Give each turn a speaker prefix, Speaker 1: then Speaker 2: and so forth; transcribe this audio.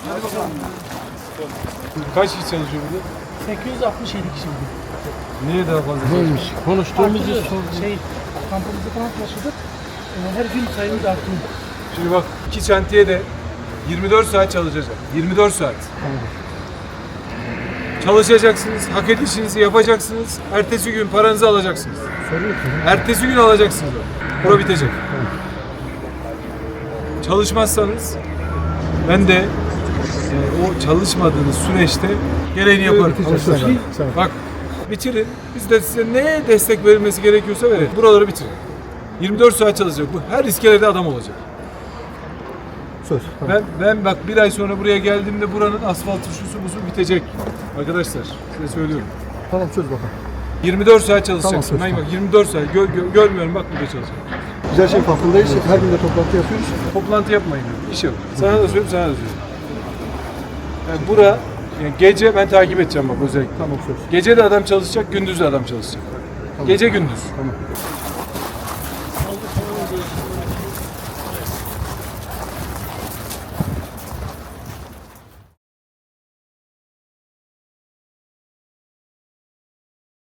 Speaker 1: Hadi bakalım. Kaç kişi çalışıyor burada?
Speaker 2: 867 kişi bugün.
Speaker 1: Niye daha fazla?
Speaker 3: Neymiş? Konuştuğumuzu
Speaker 2: Artırıyoruz.
Speaker 3: sorduk.
Speaker 2: Kampımızı falan taşıdık. Her gün sayımız artıyor.
Speaker 1: Şimdi bak iki şantiye de 24 saat çalışacak. 24 saat. Çalışacaksınız, hak edişinizi yapacaksınız. Ertesi gün paranızı alacaksınız. Ertesi gün alacaksınız. Bura bitecek. çalışmazsanız ben de o çalışmadığınız süreçte gereğini yaparım. Bak bitirin. Biz de size ne destek verilmesi gerekiyorsa verin. Buraları bitirin. 24 saat çalışacak. Bu her iskelede adam olacak.
Speaker 3: Söz. Tamam.
Speaker 1: Ben bak bir ay sonra buraya geldiğimde buranın asfaltı şusu busu bitecek. Arkadaşlar size söylüyorum.
Speaker 3: Tamam söz bakalım.
Speaker 1: 24 saat çalışacaksın.
Speaker 3: Tamam,
Speaker 1: Bak 24 saat görmüyorum bak burada çalışacak.
Speaker 3: Biz her şey farkındayız. Her gün de toplantı yapıyoruz.
Speaker 1: Toplantı yapmayın. İş yok. Sana da söyleyeyim, sana da söyleyeyim. Yani bura yani gece ben takip edeceğim bak özellikle.
Speaker 3: Tamam söz.
Speaker 1: Gece de adam çalışacak, gündüz de adam çalışacak.
Speaker 3: Tamam.
Speaker 1: Gece gündüz.
Speaker 3: Tamam.